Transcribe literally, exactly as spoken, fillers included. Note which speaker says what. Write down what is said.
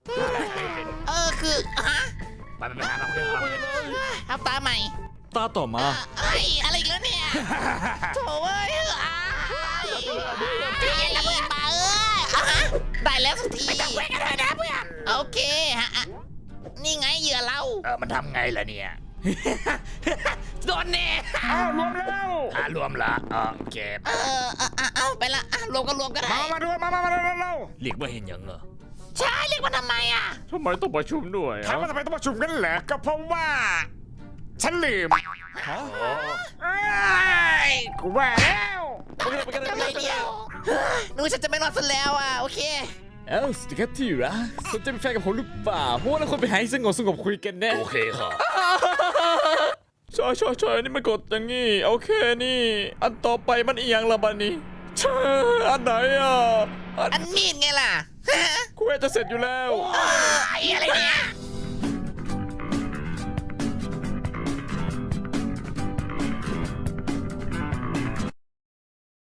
Speaker 1: เออคือฮะ
Speaker 2: ไปไปหาเราเลย
Speaker 1: เอาตาใหม่
Speaker 3: ตาต่อมา
Speaker 1: เอ้ยอะไรอีกแล้วเนี่ยโถ่เอ้ยอ้ายไอ้บ้าเอ้ยอ่ะฮะได้แล้วสักทีแหวกกันเลยนะเพื่อนโอเคฮะอ่ะนี่ไงเหยื่อเรา
Speaker 2: เออมันทำไงล่ะเนี่ย
Speaker 1: โดนแน่
Speaker 4: อ้าวรวมแล้ว
Speaker 2: หารวมละเออโอเค
Speaker 1: เออเออเอาไปละอ่ะรวมก็รวมก็ได้
Speaker 4: มามาด้วยมามามาเร็วเร็ว
Speaker 2: เรียกว่าเห็นยังเหรอ
Speaker 1: ใช่เรียกมันทำไมอ่ะ
Speaker 3: ทำไมต้องประชุมด้วย
Speaker 4: ถามว่าทำไมต้องประชุมกันเหรอก็เพราะว่า ฉันลืมเอ้ยกูว่าแล้ว
Speaker 1: ทำไมเดียวหนูฉันจะไม่รอดซะแล้วอ่ะโอเค
Speaker 3: เอ้าสวัสดีครับที่รักสนใจเป็นแฟนกับผมหรือเปล่าเพราะว่าเราควรไปหาที่สงบสงบคุยกันแน่
Speaker 2: โอเคค่ะ
Speaker 3: ใช่ใช่ใช่นี่มันกดอย่างงี้โอเคนี่ อันต่อไปมันอีหยังละบัดนี้ใช่อันไหนอ่ะอัน
Speaker 1: อันมีดไงล่ะ
Speaker 3: กูจะเสร็จอยู่แล้ว
Speaker 1: เออไอ้อะไรเนี่ย